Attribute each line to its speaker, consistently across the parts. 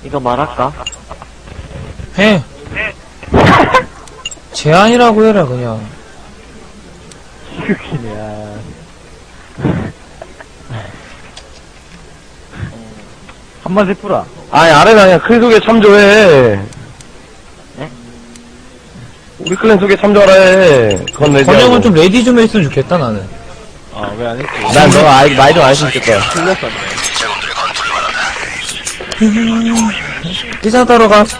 Speaker 1: 이거 말할까?
Speaker 2: 해. 제안이라고 해라, 그냥.
Speaker 1: 휴신이야. 한마디 풀어.
Speaker 3: 아니, 아래가 그냥 클 속에 참조해.
Speaker 1: 네?
Speaker 3: 우리 클랜 속에 참조하라 해. 그건 내지.
Speaker 2: 번역은 좀 레디 좀 했으면 좋겠다, 나는.
Speaker 1: 아, 왜 안 했지?
Speaker 3: 난 너가 말 좀 안 했으면 좋겠다.
Speaker 1: 틀렸었네.
Speaker 2: 뛰자 따러 가.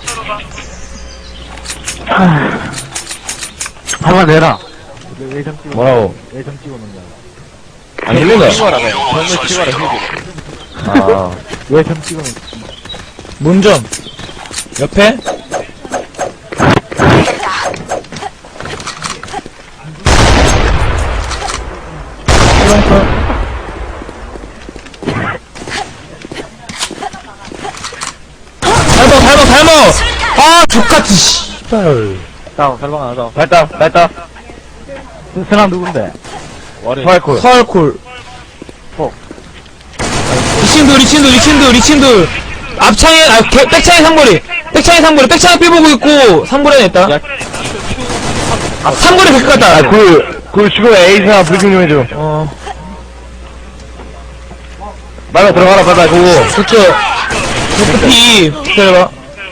Speaker 1: 한번 내라. 외정 찍어.
Speaker 3: 뭐라고?
Speaker 1: 외정 찍어 놓는 거야.
Speaker 3: 안 들린다.
Speaker 1: 찍어라, 그냥. 정말 찍어라, 휴지.
Speaker 3: 아.
Speaker 1: 외정 찍어 놓는
Speaker 2: 문점. 옆에. 닮어! 아, 족같이, 씨발.
Speaker 1: 다운, 설방 하나 더.
Speaker 3: 발다.
Speaker 1: 사람 누군데?
Speaker 3: 파이콜.
Speaker 2: 서울콜. 리친돌. 앞창에, 백창에 삼거리. 백창에 삐보고 있고, 삼거리 냈다. 삼거리 백크 같다.
Speaker 3: 아, 그 지금 에이스나 브리핑 좀 해줘. 말가 들어가라, 빨리, 그거.
Speaker 2: 그쵸. 피, 기다려봐.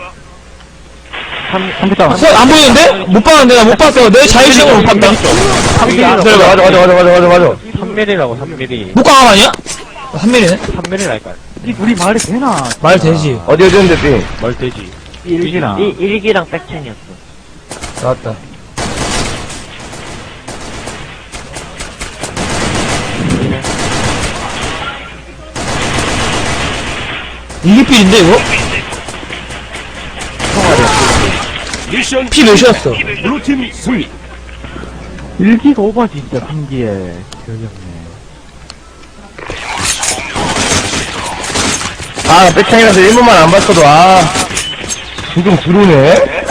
Speaker 1: 3피 다운.
Speaker 2: 안 보이는데? 못 봤는데? 나 못 봤어. 내 자유시간을 못 봤다.
Speaker 3: 맞아.
Speaker 1: 3mm라고, 3mm.
Speaker 2: 목광함 아니야? 3mm네?
Speaker 1: 3mm랄까. 이 둘이 말이 되나?
Speaker 2: 말 되지.
Speaker 3: 어디였는데, 삐?
Speaker 1: 말 되지. 1기랑. 1기랑 백첸이었어.
Speaker 2: 나왔다. 이게 필인데, 이거? 피 몇이었어?
Speaker 4: 블루팀 승리.
Speaker 1: 1기가 오바 진짜, 3기에. 기억이 없네.
Speaker 3: 아, 백창이라서 1분만 안 봤어도, 지금 들어오네?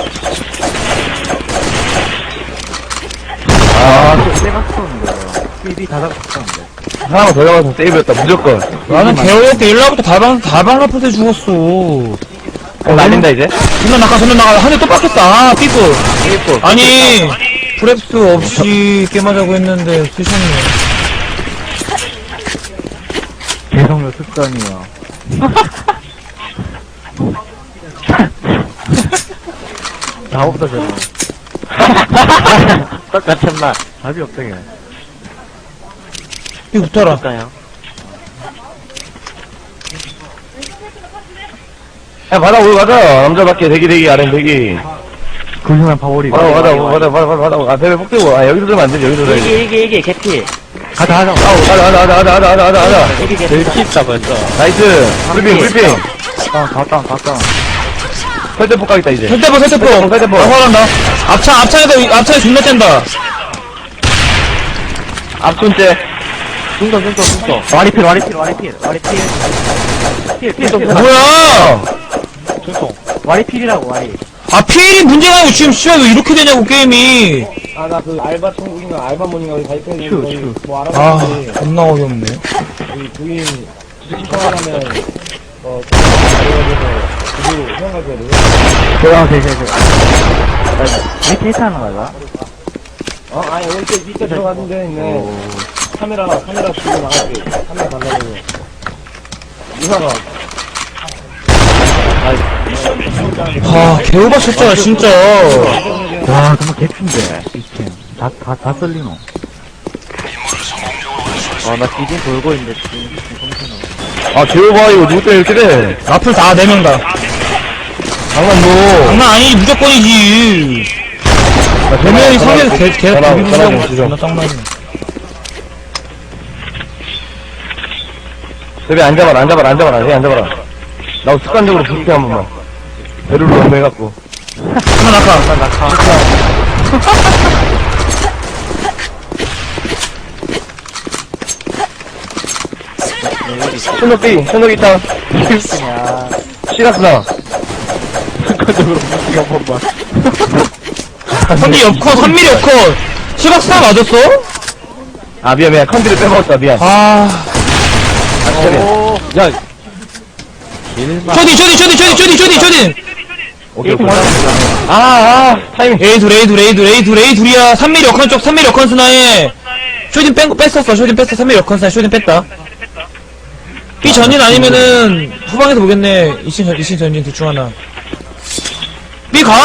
Speaker 1: 좀 세가 썼는데. 삐삐 다 잡았었는데.
Speaker 3: 하나만 더 잡아서 세이브였다, 무조건.
Speaker 2: 나는 개어렵게 1라부터 다방 라프트 죽었어.
Speaker 3: 날린다, 이제?
Speaker 2: 전면 나가. 한 대 또 빡했다. 삐꾸. 아니, 프랩스 없이 게임하자고 했는데, 쓰셨네.
Speaker 1: 개성료 습관이야. 나보다 저거. 똑같은 말. 답이 없다, 걔.
Speaker 2: 삐 붙어라.
Speaker 3: 야, 받아, 우리 가자. 남자밖에 대기, 아래 대기.
Speaker 1: 그중에 파워리.
Speaker 3: 받아. 아, 배배 폭대고. 아, 여기서 들면 안 되지, 여기서 들어야지.
Speaker 1: 이게, 개피. 가자.
Speaker 3: 가자.
Speaker 1: 이게 개피. 제일 킵다, 벌써.
Speaker 3: 나이스. 브리핑.
Speaker 1: 다운.
Speaker 3: 설대포 가겠다, 이제.
Speaker 2: 설대포.
Speaker 3: 설대포.
Speaker 2: 화난다. 앞창에 존나 뗀다.
Speaker 3: 앞손째.
Speaker 1: 중도. 와리필.
Speaker 2: 뭐야!
Speaker 1: 중통. 와리필이라고, 와리.
Speaker 2: 아, 필이 문제가 아니고 지금 씨발 왜 이렇게 되냐고, 게임이.
Speaker 3: 아, 나 그 알바 천국인가 알바몬인가 가입했는데.
Speaker 1: 휴.
Speaker 3: 뭐
Speaker 2: 아, 존나 어이없네.
Speaker 3: 우리 부인 신청하려면 그리고 생각하거든.
Speaker 1: 이렇게 했다는 거야?
Speaker 3: 아니 오늘 밑에 들어가는 데 있네. 카메라 들고 나갈게. 카메라 달라고. 이사가.
Speaker 2: 개오바 쳤잖아, 진짜.
Speaker 1: 와, 정말 개핀데, 이팀. 다 썰리노. 나 디진 돌고 있는데, 지금
Speaker 3: 제오바 이거 누구 때문에 이렇게 돼?
Speaker 2: 라플 다, 4명 다.
Speaker 3: 장난
Speaker 2: 장난 아니지, 무조건이지. 4명이 상대에서 계속
Speaker 3: 전화
Speaker 2: 비비고
Speaker 3: 좀
Speaker 2: 존나 짱나네.
Speaker 3: 대비 앉아봐라. 해 앉아봐라. 나도 습관적으로 부스팅 한 번만. 배를 너무 해갖고.
Speaker 2: 하나 낙하.
Speaker 3: 손목 있다. 시라스나.
Speaker 1: 습관적으로 무시가 한 번만.
Speaker 2: 3mm 옆컷, 3mm 옆컷. 시각스나 맞았어?
Speaker 3: 아, 미안. 컨디를 빼먹었다, 미안.
Speaker 2: 아,
Speaker 3: 아, 진짜 미안.
Speaker 1: 야, 1만.
Speaker 2: 쇼딘!
Speaker 3: 오케이, 오케이. 타이밍.
Speaker 2: A 둘이야. 3mm 역컨 쪽, 3mm 역컨 스나에. 쇼딘 뺐었어. 쇼딘 뺐어. 3mm 역컨 스나에 쇼딘 뺐다. B 전진 아니면은, 후방에서 보겠네. 2신 전진 둘 중 하나. B 가!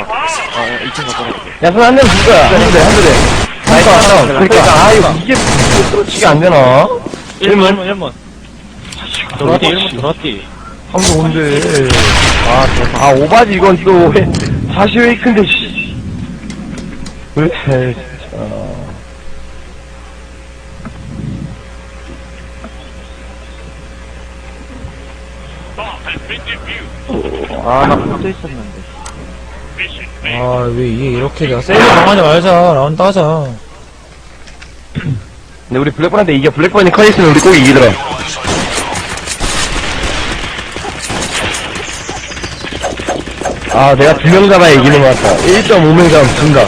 Speaker 3: 야, 손 한 대는 줄 거야. 한 대. 나이스. 그러니까, 이게 치게 안 되나?
Speaker 1: 1문. 들어왔디.
Speaker 3: 한번 온대. 오바지, 이건 또, 다시 웨이크인데, 씨. 왜, 진짜.
Speaker 1: 나 붙어 있었는데.
Speaker 2: 왜 이게 이렇게 내가 세이브 당하지 말자. 라운드 하자.
Speaker 3: 근데 우리 블랙번한테 이겨. 블랙번이 커 있으면 우리 꼭 이기더라. 내가 2명 잡아야 이기는 것 같다. 1.5명 잡으면 진다.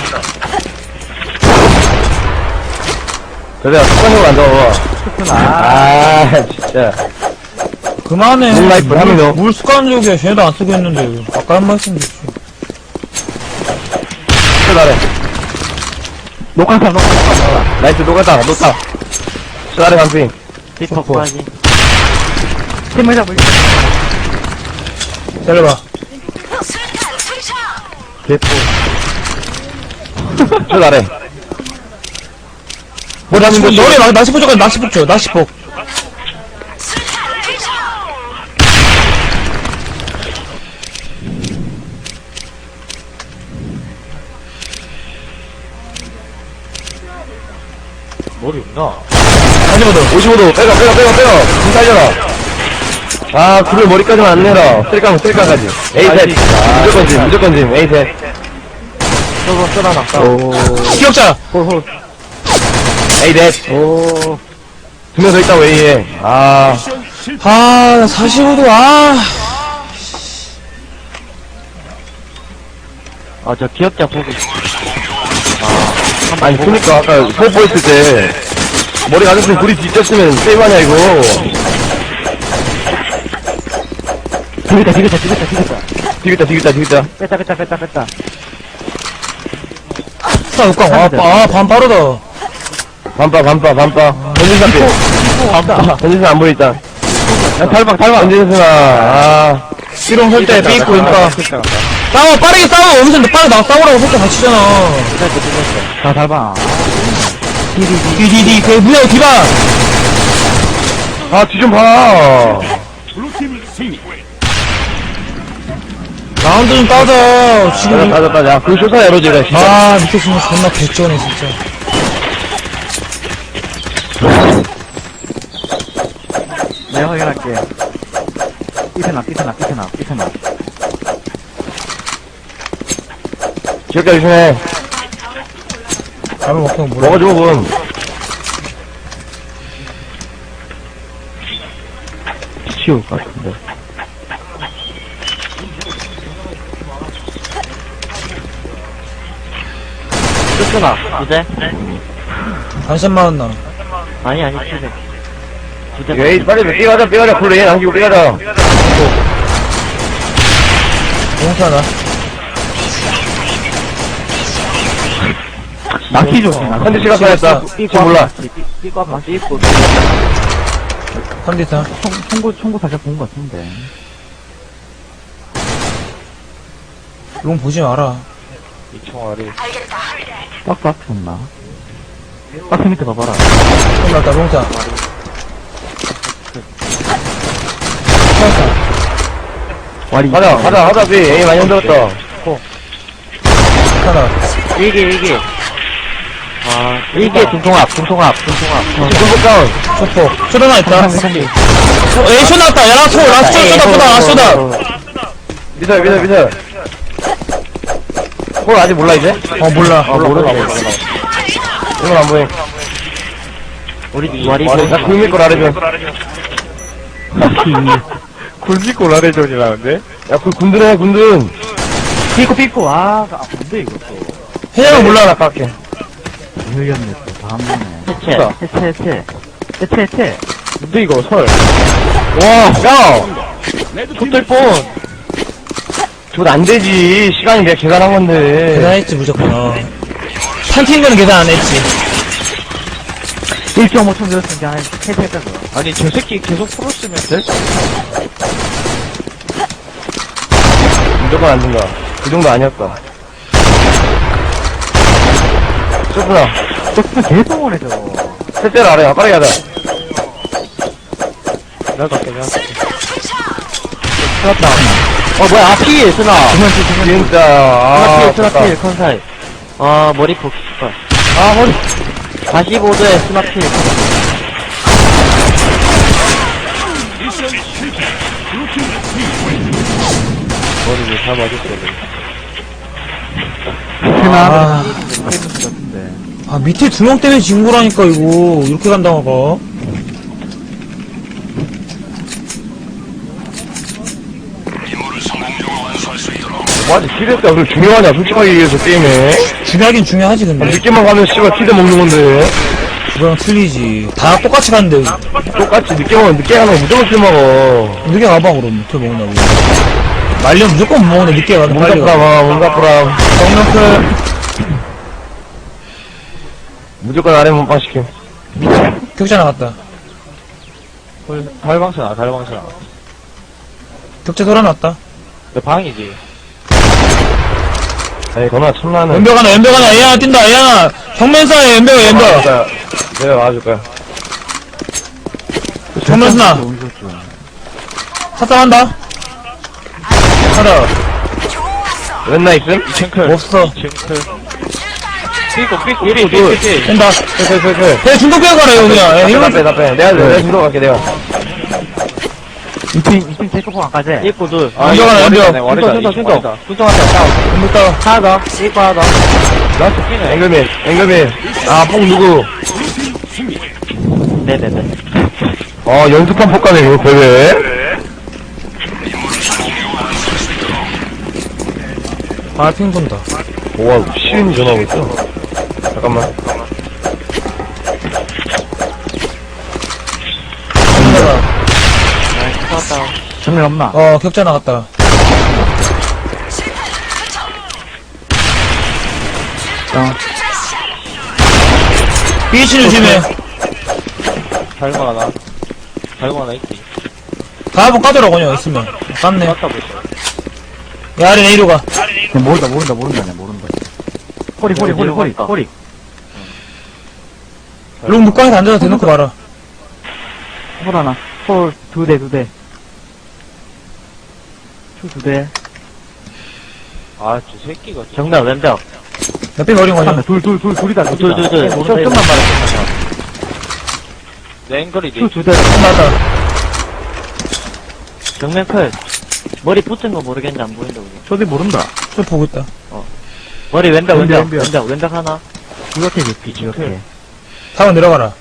Speaker 3: 그래, 습관적으로 안 잡아봐. 진짜.
Speaker 2: 그만해.
Speaker 3: 물 하면 너.
Speaker 2: 물 습관적이야. 쟤네도 안 쓰고 있는데. 아까 한 말씀 드렸지.
Speaker 3: 잘해.
Speaker 1: 녹화사.
Speaker 3: 나이스, 녹았다. 잘해, 간핑.
Speaker 1: 피퍼 구하기. 팀을 잡을.
Speaker 2: 잘해봐.
Speaker 3: 개뽀. 잘해.
Speaker 2: 너네 낚시폭 줘. 낚시폭.
Speaker 1: 머리 없나?
Speaker 3: 55도. 빼가. 좀 살려라. 그걸 머리까지만 안 내라. 쓸까까지. A셋. 무조건 짐. A셋.
Speaker 1: 저거 쏘라놨다.
Speaker 2: 기억자!
Speaker 3: A셋. 2명 더 있다고 A에.
Speaker 2: 45도,
Speaker 1: 저 기억자 보고 있어.
Speaker 3: 아니, 그니까, 아까 소포 했을 때, 머리 가졌으면 불이 뒤졌으면 세이브하냐, 이거. 디귿자.
Speaker 1: 뺐다.
Speaker 2: 자, 육강. 반 빠르다.
Speaker 3: 반빠. 던진사 안 보여, 일단. 달방. 던진사,
Speaker 2: 삐롱 설 때 삐있고, 그니까. 싸워, 빠르게 싸워! 여기서 빠르게 나 싸우라고 속도 같이잖아.
Speaker 1: 다 닮아.
Speaker 2: 디디디, 그, 무야, 디바!
Speaker 3: 뒤 좀 봐.
Speaker 2: 라운드 좀 따자. 지금.
Speaker 3: 따자. 야, 그 쇼사 에러지래, 진짜.
Speaker 2: 밑에 있으면 존나 개쩌네, 진짜.
Speaker 1: 내가 확인할게. 삐트나.
Speaker 3: 기억자 조심해.
Speaker 2: 라면 먹던 거 몰라.
Speaker 3: 먹어줘, 분. 치울 것 같은데.
Speaker 1: 쏘나 이제?
Speaker 2: 반샷만 왔나.
Speaker 1: 아니, 700.
Speaker 3: 에이, 빨리 삐가자. 불러, 얘 남기고 삐가자.
Speaker 2: 공사나.
Speaker 1: 낚시 조심.
Speaker 3: 한대 시간 빠졌다. 지금 몰라.
Speaker 1: 삐ቋ 맛이 있고.
Speaker 2: 컨디션.
Speaker 1: 총구 살짝 본 것 같은데.
Speaker 2: 롱 보지 마라.
Speaker 3: 이 총알이.
Speaker 1: 박스 앞에 없나? 박스 밑에 봐봐라.
Speaker 2: 끝났다, 롱사.
Speaker 1: 와리.
Speaker 3: 하자, 삐. 에이, 많이 흔들었다.
Speaker 2: 하나.
Speaker 1: 이게. 이게 중통합.
Speaker 3: 지금 다운.
Speaker 2: 초폭. 쇼다 하나 있다. 에이, 쇼 나왔다. 야, 라스트 쇼다.
Speaker 3: 미설. 홀 아직 몰라, 이제?
Speaker 2: 몰라.
Speaker 3: 모르나. 이건 안 보여.
Speaker 1: 우리 와리.
Speaker 3: 나 굴밀걸 아래줘.
Speaker 1: 굴미골 아래존이라는데?
Speaker 3: 야, 군드네, 군든.
Speaker 1: 삐꼬. 뭔데 이거 또.
Speaker 2: 해양은 몰라.
Speaker 3: 나 깎게.
Speaker 1: 흘렸네 또. 다음 번에. 해체.
Speaker 3: 뭔데, 이거, 설. 와, 야! 톱텔폰. 저거 안 되지. 시간이 내가 계산한 건데.
Speaker 2: 계산했지, 무조건. 판팅 거는 계산 안 했지.
Speaker 1: 1.5초 늘었으니까 한 3세 거.
Speaker 3: 아니, 저 새끼 계속 풀었으면 될? 무조건 안 된다. 그 정도 아니었다. 쇼프나.
Speaker 1: 너 계속 오네, 저거.
Speaker 3: 셋째를 알아요. 빠르게 하자.
Speaker 1: 내가 갈게, 내가 갈게.
Speaker 3: 스나타. 뭐야, 필, 스나. 진짜, 아,
Speaker 1: 스나필, 컨사이. 머리 폭, 씨발.
Speaker 3: 머리.
Speaker 1: 45도에 스나필.
Speaker 3: 머리를 다 맞았어야
Speaker 2: 아,
Speaker 1: 같은데.
Speaker 2: 아, 밑에 2명 때문에 진 거라니까, 이거. 이렇게 간다가.
Speaker 3: 맞지, 키드가 그렇게 중요하냐, 솔직하게 얘기해서 게임에.
Speaker 2: 중요하긴 중요하지, 근데.
Speaker 3: 늦게만 가면 씨발 키드 먹는 건데.
Speaker 2: 그거랑 틀리지. 다 똑같이 가는데.
Speaker 3: 똑같이 늦게 가면 늦게 가는 거 무조건 킬 먹어.
Speaker 2: 늦게 가봐, 그럼. 어떻게 먹는다고. 말려면 무조건 못 먹는데, 늦게 가서 빨리 가.
Speaker 3: 몸가프람, 몸가프람.
Speaker 2: 정명클.
Speaker 3: 무조건 아래 몸빵 시킴.
Speaker 2: 격자 나갔다.
Speaker 3: 달방선아, 달방선아.
Speaker 2: 격자 돌아놨다.
Speaker 3: 내 방이지. 에이, 건아, 참나는.
Speaker 2: 연벽 하나, 연벽 하나. 애야, 뛴다, 애야. 정면사에 연벽, 연벽.
Speaker 3: 내가 와줄 거야.
Speaker 2: 정면스나. 사탕한다. 하나.
Speaker 3: 웬나 있음?
Speaker 2: 없어.
Speaker 3: 삐꾸,
Speaker 2: 된다.
Speaker 3: 클.
Speaker 2: 배 중독 빼고 가라, 이거 그냥. 야, 이거
Speaker 3: 나 빼. 내가 주러 갈게, 내가.
Speaker 1: 2층 체크포 안 가지?
Speaker 3: 삐꾸 둘.
Speaker 2: 연벽 하나, 연벽.
Speaker 3: 순통. 순통한테 싸워.
Speaker 2: 연벽 따.
Speaker 1: 하나 더, 이거 하나 더.
Speaker 3: 라스트 끼네. 앵글맨. 아, 뽕 누구?
Speaker 1: 네네네.
Speaker 3: 연습한 폭가네, 이거, 대회.
Speaker 2: 아, 핑 돈다.
Speaker 3: 와, 시윤이 전화하고 있어. 잠깐만.
Speaker 1: 정면 없나?
Speaker 2: 격자 나갔다. 비치 조심해.
Speaker 3: 달고 하나 있지.
Speaker 2: 다 한번 까더라, 그냥, 있으면. 깠네. 야, 아래 A로 가.
Speaker 1: 모른다, 꼬리.
Speaker 2: 롱 묵광에서 앉아서 대놓고 봐라.
Speaker 1: 홀 하나. 홀 2대. 초 2대.
Speaker 3: 저 새끼가.
Speaker 1: 정면 왼벽.
Speaker 2: 몇배 버린 거냐?
Speaker 1: 둘이다.
Speaker 3: 둘.
Speaker 1: 좀만 말해.
Speaker 3: 내 앵글이지.
Speaker 1: 초 2대.
Speaker 2: 나왔다.
Speaker 1: 정면 클. 머리 붙은 거 모르겠는데 안 보인다, 우리.
Speaker 2: 저도 모른다. 저 보고 있다.
Speaker 1: 머리 왼벽 하나. 이렇게 깊이, 이렇게.
Speaker 2: 다음 내려가라.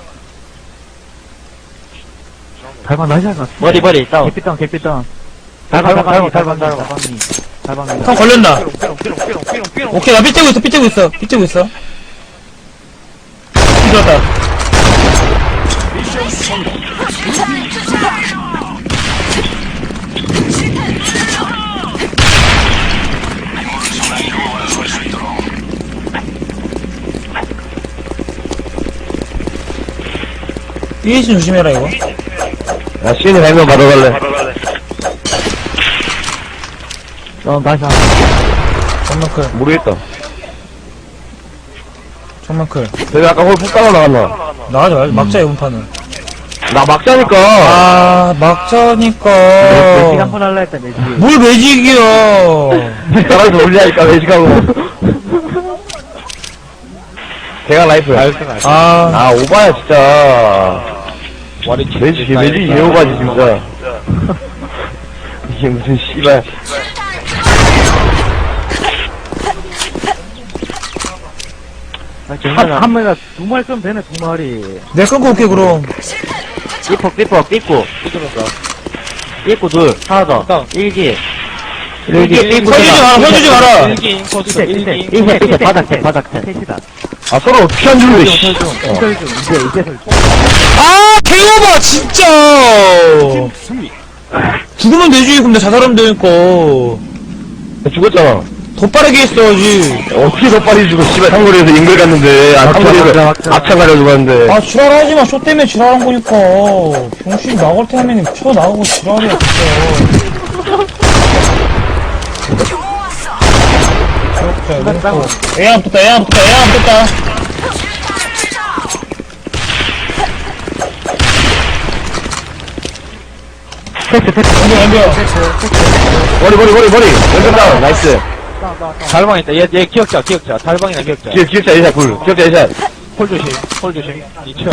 Speaker 1: 달방 나이스 할것 같아. 머리, 다운. 갯빛 다운. 달방이.
Speaker 2: 형 걸렸나? 오케이, 나 삐뜨고 있어. 삐뜨고 들었다. BH 조심해라, 이거.
Speaker 3: 야, 시윤이 발명 받아갈래.
Speaker 1: 나이스 하나.
Speaker 2: 정면클.
Speaker 3: 모르겠다.
Speaker 2: 정면클.
Speaker 3: 내가 아까 홀 푹 따라 나갔나?
Speaker 2: 나가지 말자. 막자, 이번 판은.
Speaker 3: 나 막자니까.
Speaker 2: 아, 막자니까.
Speaker 1: 매직 한번 할라 했다, 매직.
Speaker 2: 뭘 매직이야.
Speaker 3: 따라서 올리니까 매직하고. 대강 라이프야.
Speaker 2: 아,
Speaker 3: 오바야, 진짜. 매직 예오바지, 진짜. 이게 무슨 씨발.
Speaker 1: 한 마리가 2마리 끄면 되네, 2마리.
Speaker 2: 내가 끊고 올게, 그럼.
Speaker 1: 삐꾸. 삐꾸 둘. 하나 더. 일기.
Speaker 2: 서주지 마라.
Speaker 1: 이세, 바닥. 셋이다.
Speaker 3: 아, 서로 어떻게 안 주는데, 씨.
Speaker 1: 이세 설중.
Speaker 2: 아, 개오바, 진짜. 죽으면 되지. 그럼 나 자살하면 되니까.
Speaker 3: 죽었잖아.
Speaker 2: 더 빠르게 했어야지.
Speaker 3: 어떻게 더 빨리 죽어, 씨발, 상거리에서 인글 갔는데, 상거리에서 앞차 가려고 하는데.
Speaker 2: 아, 지랄하지 마. 쇼 때문에 지랄한 거니까. 병신 나갈 때 하면 쳐 나가고 지랄이야, 진짜. 애야 붙었다, 애야 붙었다, 애야 붙었다. 왼벽.
Speaker 3: 머리. 왼쪽 다운, 나이스.
Speaker 1: 달방 있다. 얘 기억자. 달방이나 기억자.
Speaker 3: 기억자 예샷, 기억자 예샷.
Speaker 1: 홀 조심. 2층.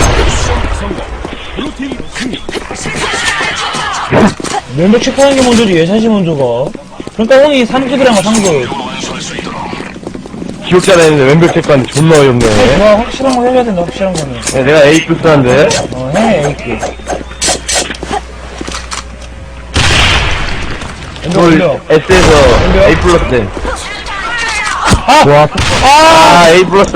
Speaker 2: 왼벽 체크하는 게 먼저지, 예샷이 먼저가. 그러니까 형이 3급이랑 3급.
Speaker 3: 기억자라 했는데 왼벽 체크하는데 존나 어이없네.
Speaker 2: 좋아, 확실한 거 해줘야 된다, 확실한 거는.
Speaker 3: 야, 내가 A 플스한데.
Speaker 2: 해, 이렇게. 왼벽
Speaker 3: 홀
Speaker 2: 올려.
Speaker 3: S에서 A 플러스 돼.
Speaker 2: 아!
Speaker 3: 아, A 플러스,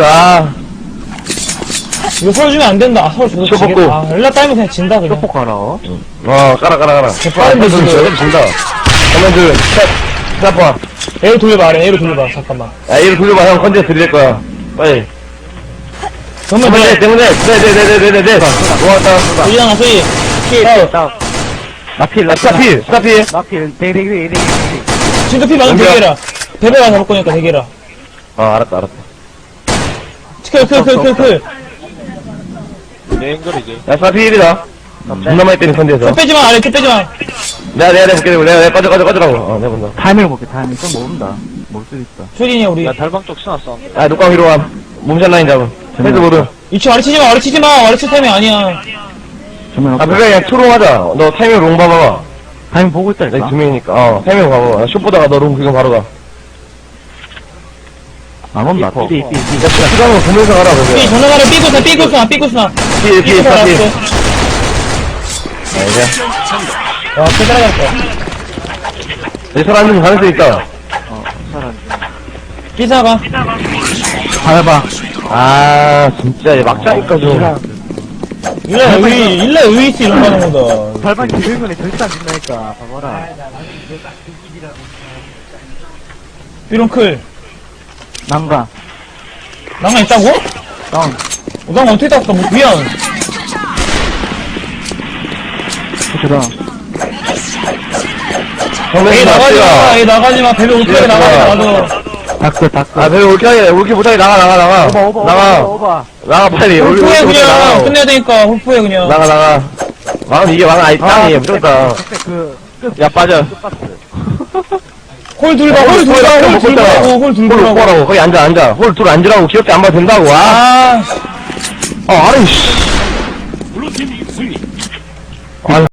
Speaker 2: 이거 서로 주면 안 된다. 아, 서로 줘도
Speaker 3: 쇼
Speaker 2: 지겠다.
Speaker 3: 먹고.
Speaker 2: 아, 엘라 따이면 그냥 진다, 그냥.
Speaker 1: 쇼폭 하나.
Speaker 3: 깔아.
Speaker 2: 빠른데, 지금.
Speaker 3: 저기 진다. 그러면 샷 봐.
Speaker 2: A로 돌려봐, 아래 A로 돌려봐. 잠깐만.
Speaker 3: 야, A로 돌려봐. 형 컨제 드릴 거야. 빨리.
Speaker 2: 정말
Speaker 3: 때문에. 네. 고맙다.
Speaker 2: 소리 하나, 소리.
Speaker 1: 나필.
Speaker 3: 스타필.
Speaker 1: 나필. 대기.
Speaker 2: 진짜 피 많은
Speaker 3: 연결.
Speaker 2: 대게라. 대배가 잡을 거니까 대게라.
Speaker 3: 알았다.
Speaker 2: 클.
Speaker 1: 내 앵글이지.
Speaker 3: 야, 스타필이다. 존나 많이 때린 컨제에서.
Speaker 2: 끝 빼지마, 아래 끝 빼지마.
Speaker 3: 내가 볼게. 내가 꺼져라고. 내가 본다.
Speaker 1: 타이밍을 볼게. 타이밍 좀 모른다. 모를 수도 있어.
Speaker 2: 소리냐, 우리.
Speaker 1: 야, 달방 쪽 신었어.
Speaker 3: 야, 녹광 위로 와. 몸샷 라인 잡음. 헤드 모드.
Speaker 2: 2층 아래치지 마. 아래치 타임이 아니야.
Speaker 1: 정면
Speaker 3: 아, 베베 그냥 투롱하자. 너 타이밍 롱 봐봐봐.
Speaker 1: 타이밍 보고
Speaker 3: 내가
Speaker 1: 있다니까.
Speaker 3: 두 명이니까. 타이밍 봐봐봐. 슛 보다가 너 롱 그냥 바로 가.
Speaker 1: 안 온다. 삐.
Speaker 3: 야, 시간을 보면서 가라,
Speaker 2: 삐,
Speaker 3: 베베.
Speaker 2: 전화가래 삐꾸스나.
Speaker 3: 삐.
Speaker 2: 알았어.
Speaker 3: 야, 이제.
Speaker 2: 와, 개 따라갔다.
Speaker 3: 내 사람 좀 가능성 있다.
Speaker 2: 삐사가.
Speaker 1: 달방.
Speaker 3: 아, 진짜, 얘 막자니까 좀.
Speaker 2: 일라 의이스 이런 거 하는 거다.
Speaker 1: 달방 기술군에 절대 안 된다니까. 봐봐라.
Speaker 2: 삐롱 클.
Speaker 1: 난가.
Speaker 2: 낭만 있다고?
Speaker 1: 다운.
Speaker 2: 낭만 어떻게 땄어? 뭐, 미안.
Speaker 1: 그다.
Speaker 2: 에이, 나가지 마. 배배 올게 나가지 마.
Speaker 1: 다크.
Speaker 3: 아, 배우 올게 못하게 나가.
Speaker 1: 오바.
Speaker 3: 나가, 빨리.
Speaker 2: 홀프해,
Speaker 3: 올게
Speaker 2: 그냥.
Speaker 3: 나가.
Speaker 2: 끝내야 되니까, 홀프해, 그냥.
Speaker 3: 나가. 왕은 이게 왕은 아니, 땅이에요. 무조건. 야, 빠져.
Speaker 2: 홀 둘봐, 홀 둘보라고.
Speaker 3: 홀 오라고. 거기 앉아. 홀 둘 앉으라고. 귀엽게 안 봐도 된다고.
Speaker 2: 아.
Speaker 3: 아래, 씨.